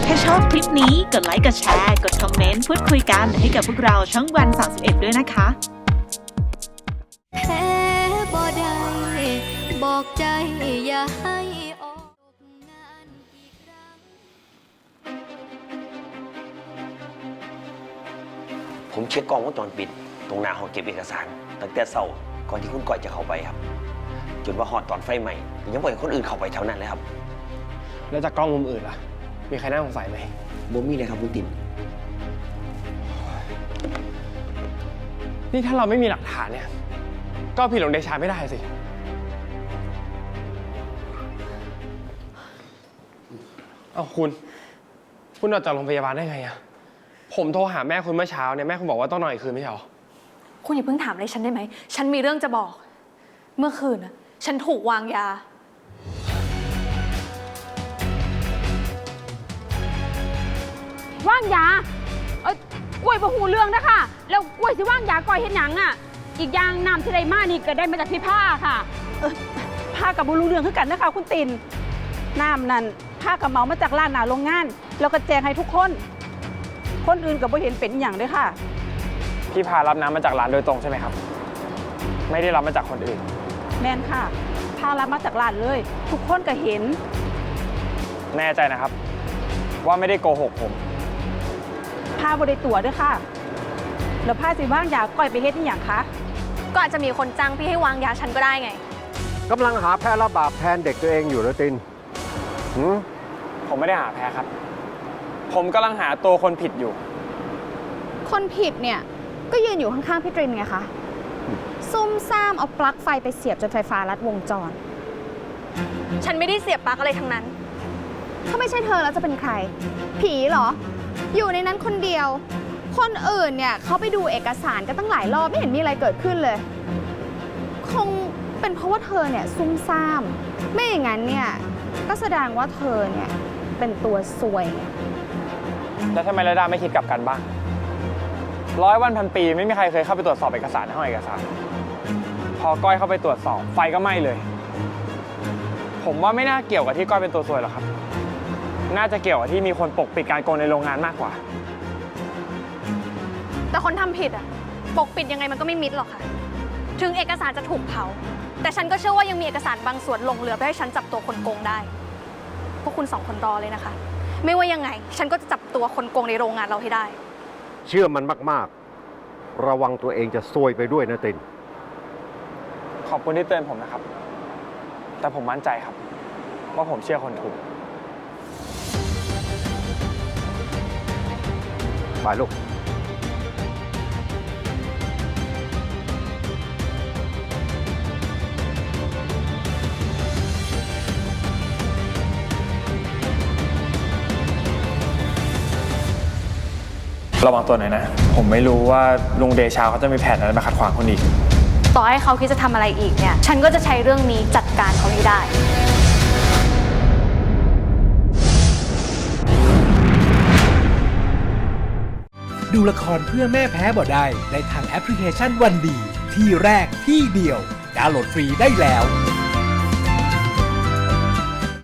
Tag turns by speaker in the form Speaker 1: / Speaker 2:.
Speaker 1: ถ้าชอบคลิปนี้กดไลค์กดแชร์กดคอมเมนต์พูดคุยกันให้กับพวกเราช่องวัน31ด้วยนะคะ
Speaker 2: แพ้บ่ได้บอกใจอย่าให้ออกงานอีกครั้ง
Speaker 3: ผมเช็คกล้องวงจรปิดตรงหน้าห้องเก็บเอกสารตั้งแต่เช้าก่อนที่คุณก้อยจะเข้าไปครับจนว่าฮอดตอนไฟไหม้ยังไม่เห็นคนอื่นเข้าไปแถวนั้นเลยครับ
Speaker 4: แล้วจากกล้องมุมอื่นล่ะมีใครน่าสงสัยไหม
Speaker 3: บ่มีเลยครับคุณติ๋ม
Speaker 4: นี่ถ้าเราไม่มีหลักฐานเนี่ยก็ผิดหลวงเดชาไม่ได้สิเอาคุณออกจากโรงพยาบาลได้ไงอะผมโทรหาแม่คุณเมื่อเช้าเนี่ยแม่คุณบอกว่าต้องนอนอีกคืนไม่ใช่หรอ
Speaker 5: คุณอย่าเพิ่งถามอะไรฉันได้ไหมฉันมีเรื่องจะบอกเมื่อคืนน่ะฉันถูกวางยา
Speaker 6: ว่างยากล้วยบ่หูเรื่องนะคะแล้วกล้วยสิว่างยาก่อยเห็นหยังอ่ะอีกอย่างน้ำที่ได้มานี่ก็ได้มาจากพี่ผ้าค่ะ
Speaker 7: ผ้ากับบุรุเรื่องคือกันนะคะคุณตินน้ำนั่นผ้ากับเหมามาจากร้านหนาโรงงานแล้วก็แจงให้ทุกคนคนอื่นกับบ่เห็นเป็นอย่างด้วยค่ะ
Speaker 4: พี่พารับน้ำมาจากร้านโดยตรงใช่ไหมครับไม่ได้รับมาจากคนอื่น
Speaker 7: แม่นค่ะผ้ารับมาจากร้านเลยทุกคนก็เห็น
Speaker 4: แน่ใจนะครับว่าไม่ได้โกหกผม
Speaker 7: ผ้าบริตัวด้วยค่ะแล้วผ้าสิว่างยาก่อยไปเฮ็ดนี่อย่างคะ
Speaker 5: ก็อาจจะมีคนจ้างพี่ให้วางยาฉันก็ได้ไง
Speaker 8: กำลังหาแพ้ระบาปแทนเด็กตัวเองอยู่หรือติน
Speaker 4: ผมไม่ได้หาแพ้ครับผมกำลังหาตัวคนผิดอยู่
Speaker 9: คนผิดเนี่ยก็ยืนอยู่ข้างๆพี่ตรินไงคะซุ่มซ่ามเอาปลั๊กไฟไปเสียบจนไฟฟ้าลัดวงจร
Speaker 5: ฉันไม่ได้เสียบปลั๊กอะไรทั้งนั้น
Speaker 9: ถ้าไม่ใช่เธอแล้วจะเป็นใครผีเหรออยู่ในนั้นคนเดียวคนอื่นเนี่ยเขาไปดูเอกสารกันตั้งหลายรอบไม่เห็นมีอะไรเกิดขึ้นเลยคงเป็นเพราะว่าเธอเนี่ยซุ่มซ่ามไม่อย่างนั้นเนี่ยก็แสดงว่าเธอเนี่ยเป็นตัวซวย
Speaker 4: แล้วทำไมระดาไม่คิดกลับกันบ้าง100 วันพันปีไม่มีใครเคยเข้าไปตรวจสอบเอกสารในห้องเอกสารพอก้อยเข้าไปตรวจสอบไฟก็ไหม้เลยผมว่าไม่น่าเกี่ยวกับที่ก้อยเป็นตัวซวยหรอกครับน่าจะเกี่ยวกับที่มีคนปกปิดการโกงในโรงงานมากกว่า
Speaker 5: แต่คนทำผิดอ่ะปกปิดยังไงมันก็ไม่มิดหรอกค่ะถึงเอกสารจะถูกเผาแต่ฉันก็เชื่อว่ายังมีเอกสารบางส่วนหลงเหลือเพื่อให้ฉันจับตัวคนโกงได้พวกคุณ2 คนรอเลยนะคะไม่ว่ายังไงฉันก็จะจับตัวคนโกงในโรงงานเราให้ได้
Speaker 8: เชื่อมันมากๆระวังตัวเองจะซวยไปด้วยนะติน
Speaker 4: ขอบคุณที่เตือนผมนะครับแต่ผมมั่นใจครับว่าผมเชื่อคนถูก
Speaker 8: ไปลูก
Speaker 4: ระวังตัวหน่อยนะผมไม่รู้ว่าลุงเดชาเขาจะมีแผนอะไรมาขัดขวางคนอีก
Speaker 5: ต่อให้เขาคิดจะทำอะไรอีกเนี่ยฉันก็จะใช้เรื่องนี้จัดการเขาให้ได้
Speaker 10: ดูละครเพื่อแม่แพ้บ่ได้ในทางแอปพลิเคชันวันดีที่แรกที่เดียวดาวน์โหลดฟรีได้แล้ว